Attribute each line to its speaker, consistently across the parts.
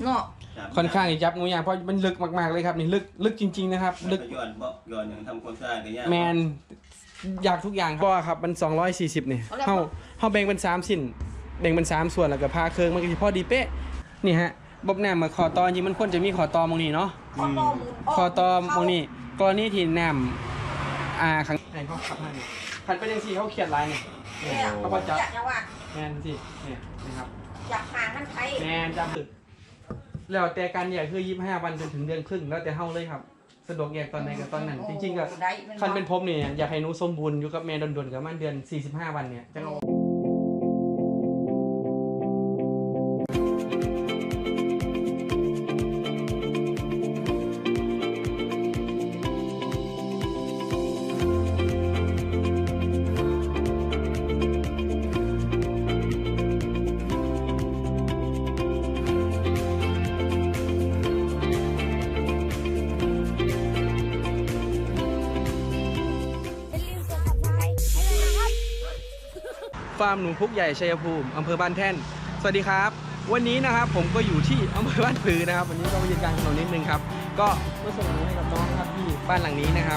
Speaker 1: เนาะ
Speaker 2: ค่อนข้างจับงูยากเพราะมันลึกมากๆเลยครับนี่ลึกจริงๆนะครับลึก
Speaker 3: ย้อนอย่างทำความสะอาดกันยาก
Speaker 2: แมนอยากทุกอย่างครับก็ครับมัน240นี่เฮาแบ่งเป็น3สิ้นแบ่งเป็น3ส่วนแล้วก็พาเครื่องมันก็สิพอดีเป๊ะนี่ฮะบบน้ำมาขอตอจริงมันควรจะมีขอตอมองนี้เนาะขอตอมองนี้กรณีที่น้ำขังไหนเขาขับมาเนี่ยขันไปยังสี่เขาเขียนลายเนี่ยเขาบอกจับแมนสิเนี่ยนะครับ
Speaker 1: จับหางมันไทย
Speaker 2: แมนจับตึกแล้วแต่การแยกคือ25 วันจนถึงเดือนครึ่งแล้วแต่เฮาเลยครับสะดวกแยกตอนไหนกับตอนนั้นจริงๆก็คันเป็นผมเนี่ยอยากให้หนูสมบูรณ์อยู่กับแม่ดนๆกับมันเดือน45 วันเนี่ยจังฟาร์มหนูพุกใหญ่ชัยภูมิอำเภอบ้านแท่นสวัสดีครับวันนี้นะครับผมก็อยู่ที่อำเภอบ้านผือนะครับวันนี้ก็มายืนกลางถนนนิดนึงครับก็มาส่งหนูให้กับน้องครับที่บ้านหลังนี้นะครับ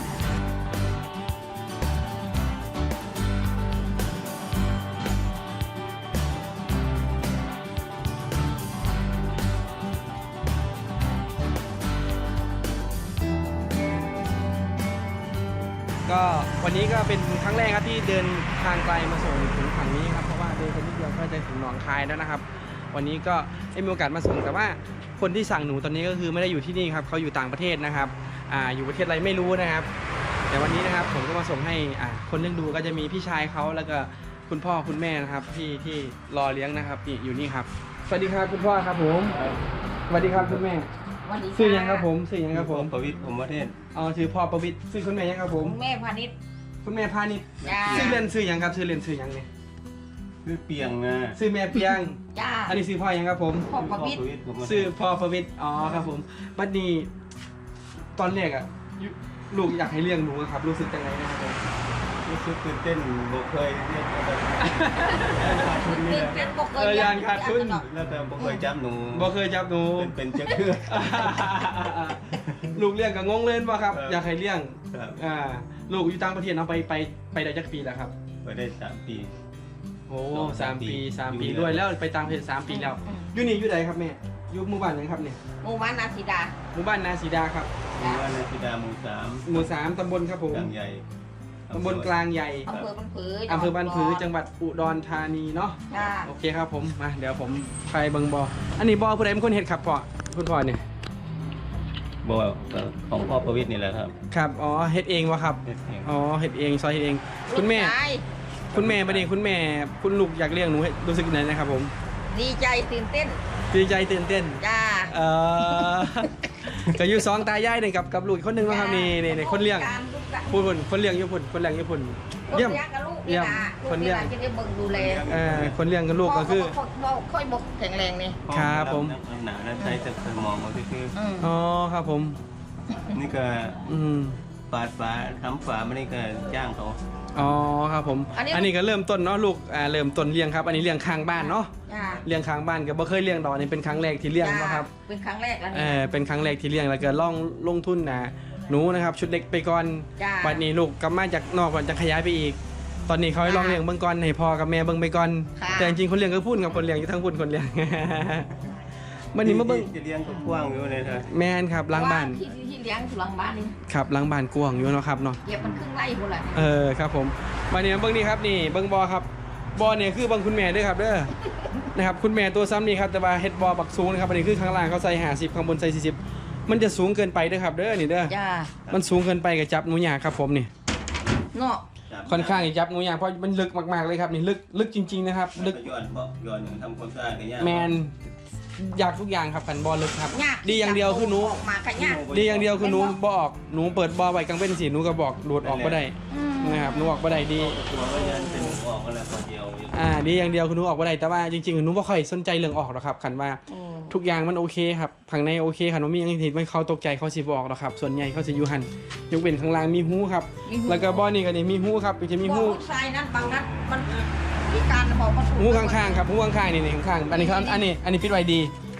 Speaker 2: ก็วันนี้ก็เป็นครั้งแรกครับที่เดินทางไกลมาส่งถึงฝั่งนี้ครับเพราะว่าเดินไปนิดเดียวก็จะถึงหนองคายแล้วนะครับวันนี้ก็ได้มีโอกาสมาส่งแต่ว่าคนที่สั่งหนูตอนนี้ก็คือไม่ได้อยู่ที่นี่ครับเขาอยู่ต่างประเทศนะครับอยู่ประเทศอะไรไม่รู้นะครับแต่วันนี้นะครับผมก็มาส่งให้คนเลี้ยงดูก็จะมีพี่ชายเขาแล้วก็คุณพ่อคุณแม่นะครับที่รอเลี้ยงนะครับนี่อยู่นี่ครับสวัสดีครับคุณพ่อครับผมสวัสดีครับคุณแม่ชื่อยังครับผมชื่อยังครับผม
Speaker 3: ประวิตรผมประเทศ
Speaker 2: ชื่อพ่อประวิตรชื่อคุณแม่ยังครับผม
Speaker 1: แม่พาณิชย์
Speaker 2: คุณแม่พาณิชย์ชื่อเล่นชื่อยังครับชื่อเล่นชื่อยังเนี่ย
Speaker 3: ชื่อเปียงนะ
Speaker 2: ชื่อแม่เปียง
Speaker 1: จ้า
Speaker 2: อันนี้ชื่อพ่อยังครับผม
Speaker 1: พ่อประวิตร
Speaker 2: ชื่อพ่อประวิตรครับผมบัดนี้ตอนแรกลูกอยากให้เลี้ยงหนูครับรู้สึกยังไงนะครับผม
Speaker 3: รู้สึกตื่นเต้นบ่เคยเรียกอะไร
Speaker 2: ยานขาดทุน
Speaker 3: แล้วแต่บ่เคยจับหนู
Speaker 2: บ่เคยจับหนู
Speaker 3: เป็นเจ้าเครือ
Speaker 2: ลูกเลี้ยงกับงงเล่นป่ะครับอยากให้เลี้ยงลูกอยู่ต่างประเทศเอาไปได้จักปีแล้วครับ
Speaker 3: ไปได้3 ปี
Speaker 2: โอ้3 ปีด้วยแล้วไปต่างประเทศ3 ปีแล้วอยู่นี่อยู่ไหนครับแม่อยู่หมู่บ้านไหนครับเนี่ย
Speaker 1: หมู่บ้านนาสีดา
Speaker 2: หมู่บ้านนาสีดาครับ
Speaker 3: หมู่บ้านนาสีดาหมู่
Speaker 2: 3ตำบลครับผม
Speaker 3: กลางใหญ่
Speaker 2: ตำบลกลางใหญ่
Speaker 1: อำเภอบ้านผือ
Speaker 2: จังหวัดอุดรธานีเนาะโอเคครับผมมาเดี๋ยวผมไปเบิ่งบ่ออันนี้บ่อผู้ใดเป็นคนเฮ็ดครับพ่อคุณพ่อเนี่ย
Speaker 3: บ่ของพ่อประวิตรนี่แหละครับ
Speaker 2: ครับเฮ็ดเองวะครับเฮ็ดเองซอยเฮ็ดเองคุณแม่บัดนี้คุณแม่คุณลูกอยากเลี้ยงหนูรู้สึกไหนนะครับผม
Speaker 1: ดีใจตื่นเต้น
Speaker 2: จ้าก็อยู่2 ตายายนี่กับลูกคนนึงนะครับนี่คนเลี้ยงคนเลี้ยงญี่ปุ่นเยี่ยม
Speaker 1: คนเลี้ยงจะได้เบิ่งดูแล
Speaker 2: คนเลี้ยงกับลูกก็คือ
Speaker 1: ค่อยบกแข็งแรงนี่
Speaker 2: ครับผม
Speaker 3: หนาใช้แต่สมองก็คือ
Speaker 2: ครับผม
Speaker 3: นี่ก็ปาดฝาทำฝามันนี่ก็จ้างเขา
Speaker 2: ครับผมอันนี้ก็เริ่มต้นเนาะลูกเริ่มต้นเลี้ยงครับอันนี้เลี้ยงข้างบ้านเนาะเลี้ยงข้างบ้านก็บ่เคยเลี้ยงดอกนี่เป็นครั้งแรกที่เลี้ยงนะครับ
Speaker 1: เป็นครั้งแรกอัน
Speaker 2: นี้เป็นครั้งแรกที่เลี้ยงแล้วก็ลงทุนหนูนะครับชุดเล็กไปก่อนบัดนี้ลูกกลับมาจากนอกก่อนจะขยายไปอีกตอนนี้เขาให้ลองเลี้ยงเบิ่งก่อนให้พ่อกับแม่เบิ่งไปก่อนแต่จริงๆคนเลี้ยงก็พูดกับคนเลี้ยงอยู่ทั้งพูดคนเลี้ยงวันนี้มาเบิ่ง
Speaker 3: จะเลี้ยงกว้างอยู่เลยครับ
Speaker 2: แม่นครับล้างบ้าน
Speaker 1: ที่เลี้ยงอยู่หลังบ้านนี่
Speaker 2: ครับล้างบ้านกว้างอยู่เนาะครับเนาะ
Speaker 1: เก็บมันครึ่งไร่พุ่นล่
Speaker 2: ะครับผมวันนี้เบิ่งนี่ครับนี่เบิ่งบ่อครับบ่อเนี่ยคือบังคุณแม่ด้วยครับนะครับคุณแม่ตัวซ้ำนี่ครับแต่ว่าเฮ็ดบ่อบักสูงนะครับอันนี้คือข้างล่างเขาใส่50ข้างบนใส่40มันจะสูงเกินไปด้วยครับนี่มันสูงเกินไปกับจับหนูยากครับผมนี่
Speaker 1: เนาะ
Speaker 2: ค่อนข้างจับหนูยากเพราะมันลึกมากๆเลยครับนี่ลึกจริงๆนะครับลึก
Speaker 3: ย้อนทำความสะอาดกันยาก
Speaker 2: แมนอยากทุกอย่างครับขันบ่อลึกครับดีอย่างเดียวคือหนูดีอย่างเดียวคือหนูบ่ออกหนูเปิดบ่อไว้กลางเป็นสีหนูก็บอกโดดออกก็ได้นะครับหนูออกก็ได้ดีดีอย่างเดียวคือหนูออกก็ได้แต่ว่าจริงๆหนูไม่ค่อยสนใจเรื่องออกหรอกครับขันว่าทุกอย่างมันโอเคครับข้างในโอเคขันว่ามีอย่างที่ไม่เขาตกใจเขาสิบออกหรอกครับส่วนใหญ่เขาจะอยู่หันยกเว้นข้างล่างมีหูครับแล้วก็บ่อนี่ก็นี่มีหูครับจะมีหู
Speaker 1: ทรายนั้นบางนัดมันพิการบอกว่า
Speaker 2: หูข้างๆครับหูข้างๆนี่ข้างๆอันนี้ปิดไว้ดี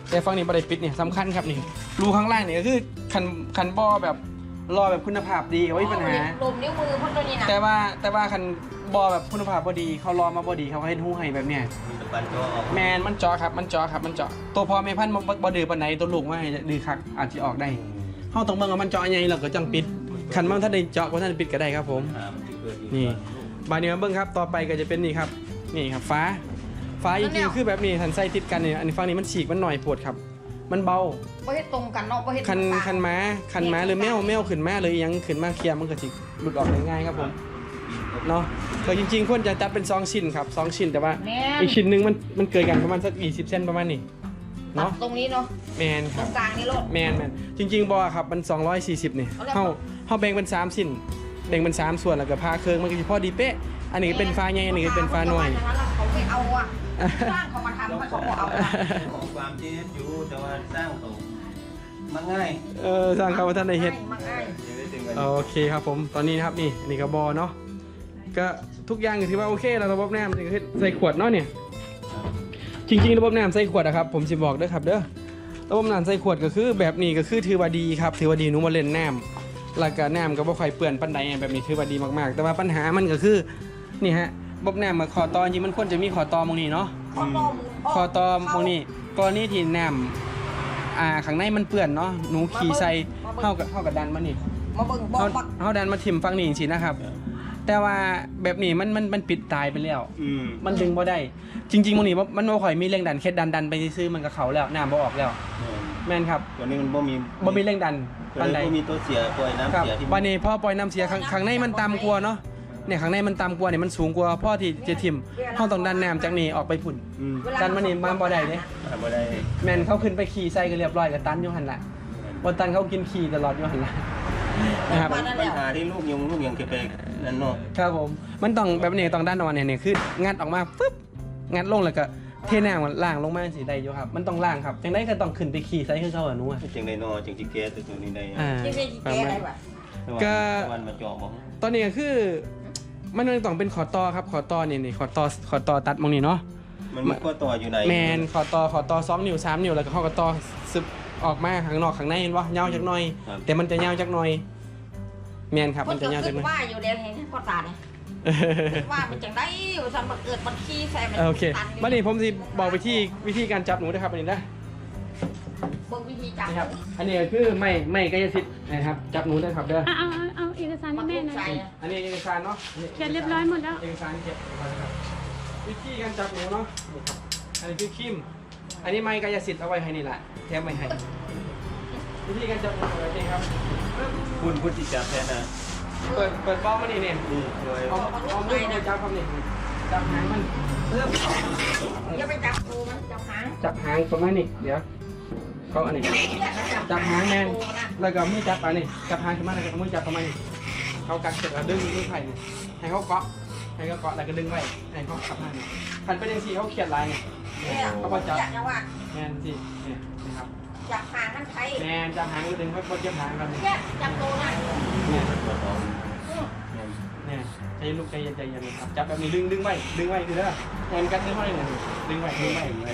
Speaker 2: แต่ฝั่งนี้บ่ได้ปิดเนี่ยสำคัญครับนี่รูข้างล่างนี่ก็คือคันบ่อแบบรอแบบคุณภาพดีเอาไว้ปัญหา
Speaker 1: ลมนิ้วมือพ่นตัวนี้นะ
Speaker 2: แต่ว่าคันบ่อแบบคุณภาพบ่ดีเขารอมาบ่ดีเขาให้หู้ให้แบบเนี้ย
Speaker 3: มีตะปันจอออก
Speaker 2: แมนมันเจาะครับมันเจาะครับมันเจาะตัวพ่อแม่พันธุ์บ่ดื้อปานใดตัวลูกว่าให้ดื้อคักอาจสิออกได้เฮาต้องเบิ่งว่ามันเจาะใหญ่แล้วก็จังปิดคันมันถ้าได้เจาะบ่ทันได้ปิดก็ได้ครับผม นี่บานนี้มาเบิ้งครับต่อไปก็จะเป็นนี่ครับนี่ครับฟ้าจริงๆคือแบบนี้ทันไส้ติดกันเนี่ยอันนี้ฝั่งนี้มันฉีกมันหน่อยปวดครับมันเบา
Speaker 1: บ่เฮ็ดตรงกันเนาะบ่เฮ็ด
Speaker 2: คันม้าหรือแมวขึ้นมาเลยยังขึ้นมาเคลียร์มันก็สิหลุดออกได้ง่ายครับผมเนาะก็จริงๆควรจะจัดเป็น2ชิ้นครับ2ชิ้นแต่ว่าอีกชิ้นหนึงมันเกิดกันประมาณสัก20เซนประมาณนี้
Speaker 1: เนาะ
Speaker 2: เนาะ
Speaker 1: ตรงนี้เนาะ
Speaker 2: แมนค
Speaker 1: ตร
Speaker 2: รับ
Speaker 1: งกลางนี่โลด
Speaker 2: แมนจริงๆบอครับมัน240นี่เฮาแบ่งเป็น3ชิ้นแบ่งเป็น3ส่วนแล้วก็พาเครื่องมันก็สิพอดีเป๊ะอันนี้เป็นฟ้าใหญ่อันนี้เป็นฟ้าน้อย
Speaker 1: เขาไม่เอาอ่ะสร้างเขามาทำเขาบอกเอาอะ
Speaker 3: ของความเจ็บอยู่แต่ว่าสร้างเขามันง่าย
Speaker 2: สร้างเขาว่าท่านในเฮ็ด
Speaker 1: มันง่าย
Speaker 2: โอเคครับผมตอนนี้นะครับนี่อันนี้ก็บอเนาะก็ทุกอย่างก็ถือว่าโอเคแล้วระบบน้ำนี่คือใส่ขวดเนาะเนี่ยจริงๆระบบน้ำใส่ขวดอะครับผมสิบอกเด้อครับเด้อระบบน้ำใส่ขวดก็คือแบบนี้ก็คือถือว่าดีครับถือว่าดีหนูมาเล่นน้ำแล้วก็น้ำก็บ่ค่อยเปื้อนปานใดแบบนี้ถือว่าดีมากๆแต่ว่าปัญหามันก็คือนี่ฮะระบบน้ำมาขอตอจริงมันควรจะมีขอตอมงนี้เนาะ คอตอมงนี้กรณีที่น้ำข้างในมันเปื้อนเนาะหนูขี่ใส่เท่ากับดันมานี่
Speaker 1: มาเบิ่งบ่บัก
Speaker 2: เฮาดันมาทิ่มฝั่งนี้จริงๆนะครับ แต่ว่าแบบนี้มันปิดตายไปแล้ว มันดึงบ่ได้จริงๆมงนี้มันบ่ค่อยมีแรงดันแค่ดันไปซื้อมันก็เข้าแล้วน้ำบ่ออกแล้วแม่นครับ
Speaker 3: ตัวนี้มันบ่มี
Speaker 2: บ่มีแรงดัน
Speaker 3: ตัว
Speaker 2: ปานใด
Speaker 3: นี้บ่มีตัวเสียปล่อยน้ำ
Speaker 2: ครับ
Speaker 3: เสียที่
Speaker 2: วันนี้พอปล่อยน้ำเสียข้างในมันต่ำกว่าเนาะเนี่ยข้างในมันต่ำกว่าเนี่ยมันสูงกว่าพ่อที่จะทิ่มเฮาต้องดันน้ำจากนี้ออกไปพุ่น ดันมานี่มาบ่ได้เด้
Speaker 3: บ่ได้
Speaker 2: แม่นเขาขึ้นไปขี่ใส่ก็เรียบร้อยก็ตันอยู่หั่นล่ะบ่ตันเขากินขี่ตลอดอยู่หั่นล่ะนะครับ
Speaker 3: ปัญหาที่ลูกยังจะไปนั่นเนาะ
Speaker 2: ครับผมมันต้องแบบนี้ต้องดันออกมาเนี่ยคืองัดออกมาปึ๊บงัดลงแล้วก็เทน้ำมันล่างลงมาสิได้อยู่ครับมันต้องล่างครับจังได๋ก็ต้องขึ้นไปขี่ใส่คือเขาอะหนูอะ
Speaker 3: จังได๋เนาะจังสิแก้ตัวนี้ได้
Speaker 1: ที่เป็นแก้ได้ป่ะ
Speaker 3: วันมาเจาะบ่
Speaker 2: ตอนนี้ก็คือมันต้องเป็นขอต่อครับขอต่อนี่ขอต่อตัดมองนี่เนาะ
Speaker 3: มันมีข้อต่ออยู่ไหน
Speaker 2: แมนขอต่อ2 นิ้ว 3 นิ้วแล้วก็เขาก็ต่อซึบออกมาข้างนอกข้างในเห็นบ่ยาวจักหน่อย แต่มันจะยาวจักหน่อยแมนครับ
Speaker 1: มั
Speaker 2: มัน น
Speaker 1: จะ
Speaker 2: จะยาวจั
Speaker 1: ขึ้
Speaker 2: ก
Speaker 1: น
Speaker 2: หน่อย
Speaker 1: ว่าอยู่แล้วเห็นพ่อตาเนี่ยว่ามันจังได้สันมาเกิดมันขี้ใส่มัน
Speaker 2: โอเควันนี้ผมสิบอกไปที่วิธีการจับหนูนะครับอันนี้นะ
Speaker 1: เบิ่งวิธีจับ
Speaker 2: นะครับอันนี้ก็คือไม่กายสิทธิ์นะครับจับหนูได้ครับเด้อ
Speaker 4: เอาเอกสาร
Speaker 1: มั
Speaker 4: ให้
Speaker 1: น
Speaker 4: แม่
Speaker 1: ถูก
Speaker 4: หน่
Speaker 1: ใจ
Speaker 4: อย
Speaker 2: อันนี้เอกสารเนาะ
Speaker 4: เขียนเรียบร้อยหมดแล้ว
Speaker 2: เอกสารเก็บไว้นะครับวิธีการจับหนูเนาะนี่ครับอันนี้คือคิมอันนี้ไม่กายสิทธิ์เอาไว้ให้นี่แหละแถมไว้ให้วิธีการจับหนูแบบนี้ครับ
Speaker 3: คุณที่จับแทนนะ
Speaker 2: เปิดบ้องมานี่เนี่ย
Speaker 3: ช่วย
Speaker 2: เอามือมาจับครับนี่จับหางมันเริ่ม
Speaker 1: อย่าไปจับตูมันจับหาง
Speaker 2: จับหางประมาณนี้เดี๋ยวเขาอันนี้จับหางแมนแล้วก็มือจับอันนี้จับหางขึ้นมาแล้วก็มือจับประมาณนี้เขากัดเสร็จแล้วดึงไผ่เนี่ยให้เขาเกาะแล้วก็ดึงไว้ให้เขาขับมาเนี่ยขันไปยังสีเขาเขียนลายเนี่ย
Speaker 1: เนี่ย
Speaker 2: เขาพอจับ
Speaker 1: จังว่า
Speaker 2: แมนสิเนี่ยนะครับ
Speaker 1: จับหางมันใช้
Speaker 2: แมนจับหางก็ดึงไว้พอจับหางกันเนี่ย
Speaker 1: เนี่ยจับตูนะ
Speaker 2: เนี่ย
Speaker 3: ตัวต่อ
Speaker 2: เนี่ยใจลูกใจเย็นครับจับแบบนี้ดึงไว้คือเด้อแทนกันดึงไว้เนี่ยดึงไว้ใช่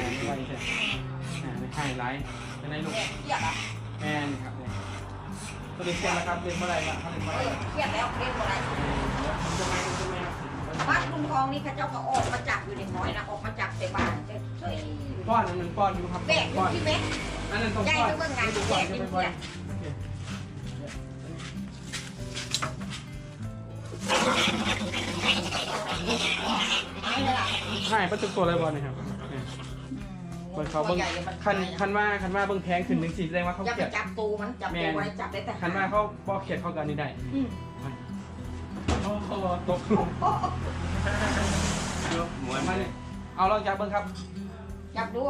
Speaker 2: ให้ไลท์จะได้ลูก
Speaker 1: เนี่ยเครียดอ่ะ
Speaker 2: แมนครับเนี่ยตัวนี้เสียแล้วครับเล่นเมื่อไรบ้างเขาเล่นเมื่อไรบ้าง
Speaker 1: เครียดแล้วเรียนอะไร
Speaker 2: มันจะไม่ครับ
Speaker 1: บ้านลุงทองนี่เขาเจ้าก็ออกมาจับอยู่ในน้อยนะออกมาจับในบ้านเฉย
Speaker 2: ป้อนมันป้อนอยู่ครับ
Speaker 1: แบกอยู่ที่เม็ด
Speaker 2: อันนั้นต้อง
Speaker 1: ใหญ่
Speaker 2: ป้อน
Speaker 1: ก็เบิ่งงานแบกอยู่เนี่ย
Speaker 2: ใช่ประจุตัวอะไรบอลนะครับเปิดเขาเบิ้งคันว่าเบิ้งแพงขึ้นหนึ่งสี่แสดงว่าเขา
Speaker 1: อย่า
Speaker 2: เขี
Speaker 1: ไป
Speaker 2: ยด
Speaker 1: จับตูมันจับตัวไว้จับได้แต่
Speaker 2: คันว่าเขาบอกเขียดเข้ากันนี่ได้โอ้โหตก
Speaker 3: หมวน
Speaker 2: มาเนี่ยเอาลองจับเบิ้งครับ
Speaker 1: จับดู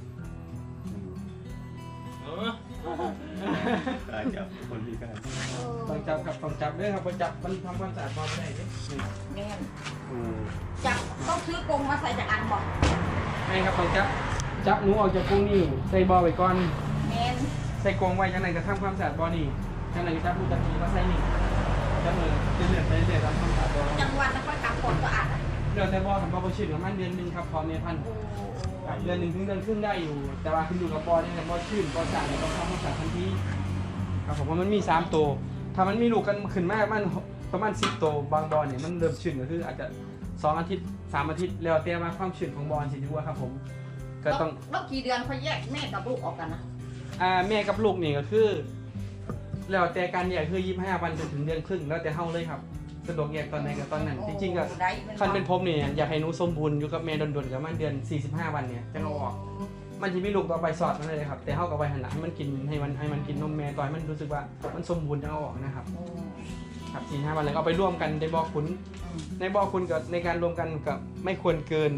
Speaker 3: การจับคนพิการ
Speaker 2: ต้องจับครับต้องจับด้วยครับพอจับมันทำความสะอาดบอลไม่ได้ดิ
Speaker 1: แม่จับต้องซื้อกรงมาใส่จากอันบอก
Speaker 2: ไม่ครับต้องจับหนูออกจากกรงนี่ใส่บอลไว้ก่อน
Speaker 1: แมน
Speaker 2: ใส่กรงไว้จังไหนก็ทำความสะอาดบอลนี่จังไหนก็จับผู้จับทีมาใส่นี่จับมือเรื่อยๆทำความสะอาดบอล
Speaker 1: จังหวัดนครกำปงก็อ่าน
Speaker 2: เดี๋ยวแต่บอลของบอลชิดประมาณเดือนหนึงครับพร้อมเมพันธุ์
Speaker 1: โอ้
Speaker 2: ครับเดือนหนึ่งถึงเดือนครึ่งได้อยู่ แต่ว่าขึ้นอยู่กับบอลนี่แหละบอลชื่นบอลสั่งต้องทำความสะอาดทันทีครับผมว่ามันมี3ตัวถ้ามันมีลูกกันขึ้นมากมันประมาณ10ตัวบางบอลเนี่ยมันเริ่มชื้นก็คืออาจจะ2 อาทิตย์3 อาทิตย์แล้วแต่ว่าความชื้นของบอลสิที่ว่าครับผมก็ต้อง
Speaker 1: แล้วกี่เดือนเขาแยกแม่กับลูกออกกันนะ
Speaker 2: แม่กับลูกนี่ก็คือแล้วแต่การแยกคือ25 วันจนถึงเดือนครึ่งแล้วแต่เฮาเลยครับสะดวกแยกตอนไหนก็ตอนนั้นจริงๆก็คันเป็นผมนี่อยากให้หนูสมบูรณ์อยู่กับแม่ดนๆกับมันเดือน45 วันเนี่ยจะเอาออกมันจะมีลูกต่อไปสอดมันเลยครับแต่เฮากับไว้หันหลังให้มันกินให้มันกินนมแม่ต่อยมันรู้สึกว่ามันสมบูรณ์จะเอาออกนะครับครับ45 วันแล้วก็เอาไปร่วมกันในบ่อขุนในบ่อขุนกับในการรวมกันกับไม่ควรเกิน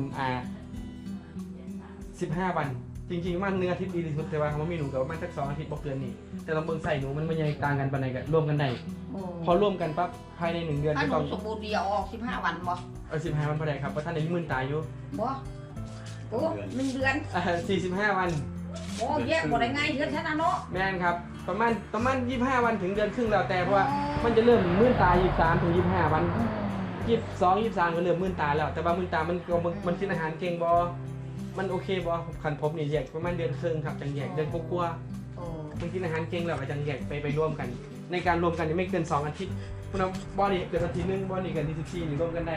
Speaker 2: 15 วันจริงๆมัน1 อาทิตย์ดีที่สุดแต่ว่าเขาไม่หนูกับมันสัก2 อาทิตย์บ่เกินนี่แต่ต้องเบิ่งใส่หนูมันยังต่างกันปานใดก็ร่วมกันได้พอร่วมกันปั๊บภายใน1 เดือน
Speaker 1: ถ้า
Speaker 2: ก็
Speaker 1: หนู
Speaker 2: ต้อง
Speaker 1: สมบูรณ์ดีเอาออก15 วันบ่
Speaker 2: 15 วันพอได้ครับเพราะท่านในมื่นตายอยู่
Speaker 1: บ่โอ้1 เดือน
Speaker 2: 45 วัน
Speaker 1: โอ้แยกบ่ได้ไงเดือนฉันน่ะเนาะ
Speaker 2: แม่นครับประมาณ25 วันถึงเดือนครึ่งแล้วแต่เพราะว่ามันจะเริ่มมื่นตาย23ถึง25 วัน22 23ก็เริ่มมื่นตาแล้วแต่ว่ามื่นตามันกินอาหารเก่งบ่มันโอเคบ่คันพบนี่แยกประมาณเดือนครึ่งครับจังแยกเดือนกว่า
Speaker 1: โอ้
Speaker 2: มันกินอาหารเก่งแล้วก็จังแยกไปร่วมกัน ในการรวมกันนี่ไม่เกิน2 อาทิตย์คุณเอาบอดี้เกิดอาทิตย์นึงบอดี้เกิดที่14นี่รวมกันได้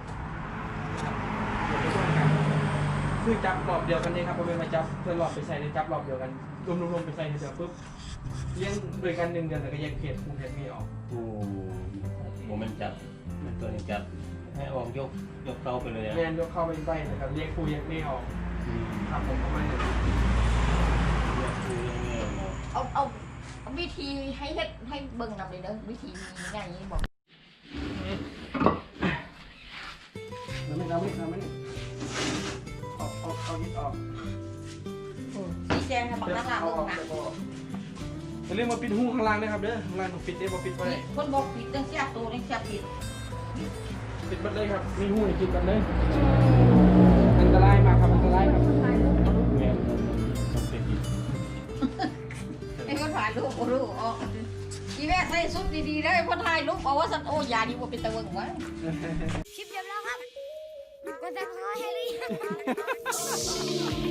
Speaker 2: เดี๋ยวไปร่วมกันคือจับรอบเดียวกันเลยครับพอเป็นมาจับเพื่อรอบไปใส่ในจับรอบเดียวกันรวมไปใส่เดียวปุ๊บเลี้ยงโดยกัน1 เดือนแล้วก็แยกเพจคูเพจไม่ออก
Speaker 3: โอ้โหมันจับมันตัวนี้จับให้ออกยกเตาไปเลยอะ
Speaker 2: แมนยกเข้าไปใบนะครับเรียกครูเรียกไม่ออก
Speaker 3: อืม
Speaker 2: ทำผมประมาณนี้
Speaker 3: เรียกคือยังไงเนาะ
Speaker 1: เอาวิธีให้เฮ็ดให้เบิ่งนำเลยเด้อวิธีมีไงบอก
Speaker 2: เราไม่เอานิดออก
Speaker 1: ชี้แจงให้บักนักล่า
Speaker 2: เอา
Speaker 1: เบิ่
Speaker 2: อง อก
Speaker 1: นะ
Speaker 2: แต่พออย่าลืมมาปิดหูข้างล่างนะครับเด้อข้างล่างต้องปิดได้บ่ปิดไว้
Speaker 1: คนบอกผิดเรื่องเสียตัวเรื่องเสียผิด
Speaker 2: ปิดหมดเลยครับมีหูให้กินกันเลยอันตรายมากครับอันตรายครับ
Speaker 3: แม่ต้องเป็นอีก
Speaker 1: ไอ้คนถ่ายรูปก็รู้อ๋ออีแม่ใส่ชุดดีๆเลยพอถ่ายรูปบอกว่าสันโอยาดีกว่าเป็นตะเวิงวะ
Speaker 5: คลิปจบแล้วครับกดติดตามให้หรือยัง